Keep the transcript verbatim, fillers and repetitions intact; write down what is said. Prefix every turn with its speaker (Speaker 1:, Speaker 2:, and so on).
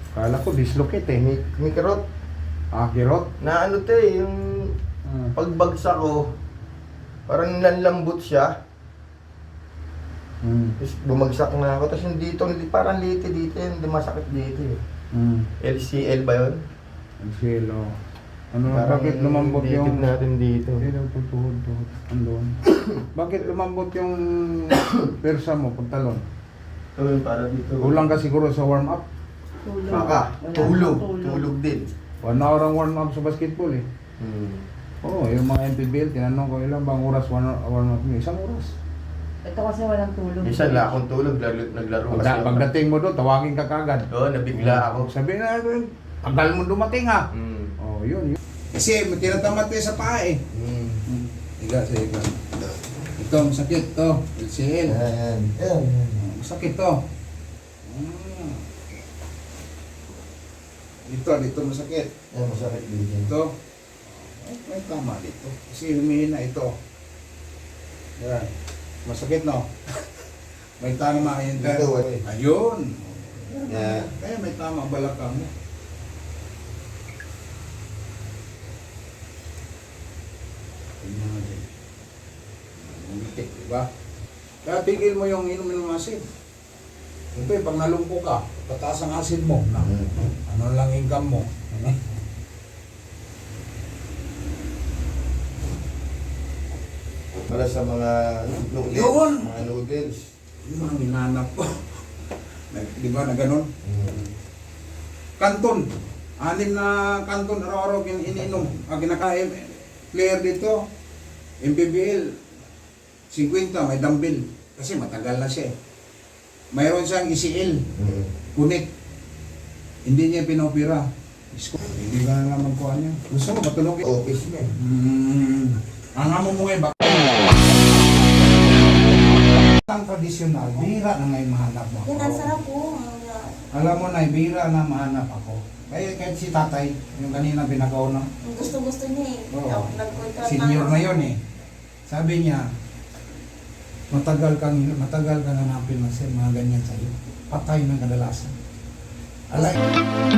Speaker 1: Kala ko dislocate eh.
Speaker 2: May, may kirot.
Speaker 1: Ah, kirot?
Speaker 2: Na ano te, yung
Speaker 1: Hmm.
Speaker 2: pagbagsak ko, parang nanlambot siya.
Speaker 1: Hmm.
Speaker 2: Tapos bumagsak na ako. Tapos yung dito, hindi- parang liti dito, hindi masakit dito eh.
Speaker 1: Hmm.
Speaker 2: L C L ba yun?
Speaker 1: Ang silo. Ano,
Speaker 2: Parang
Speaker 1: bakit lumambot
Speaker 2: litid
Speaker 1: yung...
Speaker 2: natin dito.
Speaker 1: Hindi daw tutuhod, tuhod. Andun. Bakit lumambot yung persa mo pagtalon?
Speaker 2: Ito yun, para dito.
Speaker 1: Kulang ka siguro sa warm up.
Speaker 3: Tulog.
Speaker 2: Baka,
Speaker 3: Wala
Speaker 2: tulog.
Speaker 3: nang
Speaker 2: Tulog din.
Speaker 1: One hour ang warm up sa basketball eh.
Speaker 2: Hmm.
Speaker 1: Oo, oh, yung mga M P B L, tinanong ko ilang bang oras warm up, warm up nyo? Isang oras.
Speaker 3: Ito kasi walang tulog.
Speaker 2: Isa na akong tulog, naglaro, naglaro
Speaker 1: Pagda, pagdating mo doon, tawagin ka kagad.
Speaker 2: Oo, nabigla ako.
Speaker 1: Sabi na, tagal mo dumating ha.
Speaker 2: Hmm.
Speaker 1: Oh, yun, yun. Kasi tinatamad tayo sa paa eh.
Speaker 2: Hmm.
Speaker 1: Higa sa higa. Ito, masakit to. L C L.
Speaker 2: Ayan. Ayan.
Speaker 1: Masakit to. Ah. Dito, dito masakit.
Speaker 2: Ayan, masakit dito.
Speaker 1: Ito. Ay, may tama dito. Kasi humihina ito. Yan. Masakit no? May tama yun.
Speaker 2: Dito, wala.
Speaker 1: Ayun.
Speaker 2: Yan.
Speaker 1: Kaya may tama ang balakang mo. Tingnan natin. Umitik, diba? Kaya tigil mo yung inom ng asin. Ito eh, pag nalungko ka, pataas ang asin mo. Na, ano lang income mo. Ano?
Speaker 2: Para sa mga noodles.
Speaker 1: Yun!
Speaker 2: Mga noodles.
Speaker 1: Yung mga hinanap ko. Nag- Di ba na ganun?
Speaker 2: Hmm.
Speaker 1: Kanton. Anim na kanton araw-araw kin ininom. Ang kinakain, player dito, M P B L, fifty, may dumbbell. Kasi matagal na siya eh. Mayroon siyang E C L,
Speaker 2: Hmm.
Speaker 1: kunit. Hindi niya pinopira. Isko, hindi ka na naman kuha niya. Gusto mo matulog eh.
Speaker 2: Office niya.
Speaker 1: Hmm. Ang amo mo eh, bak- ang tradisyonal, bihira na ngayon mahanap mo
Speaker 4: Yan, ang
Speaker 1: ako.
Speaker 4: sarap po.
Speaker 1: Alam mo na, bihira na mahanap ako. Kaya kahit si tatay, yung kanina binagaw na,
Speaker 4: Ang gusto-gusto niya eh.
Speaker 1: Oo.
Speaker 4: Nag-contract
Speaker 1: senior na yun eh. Sabi niya, matagal kang matagal kang hanapin na siya, mga ganyan sa'yo. Patay ng kadalasan. Alay.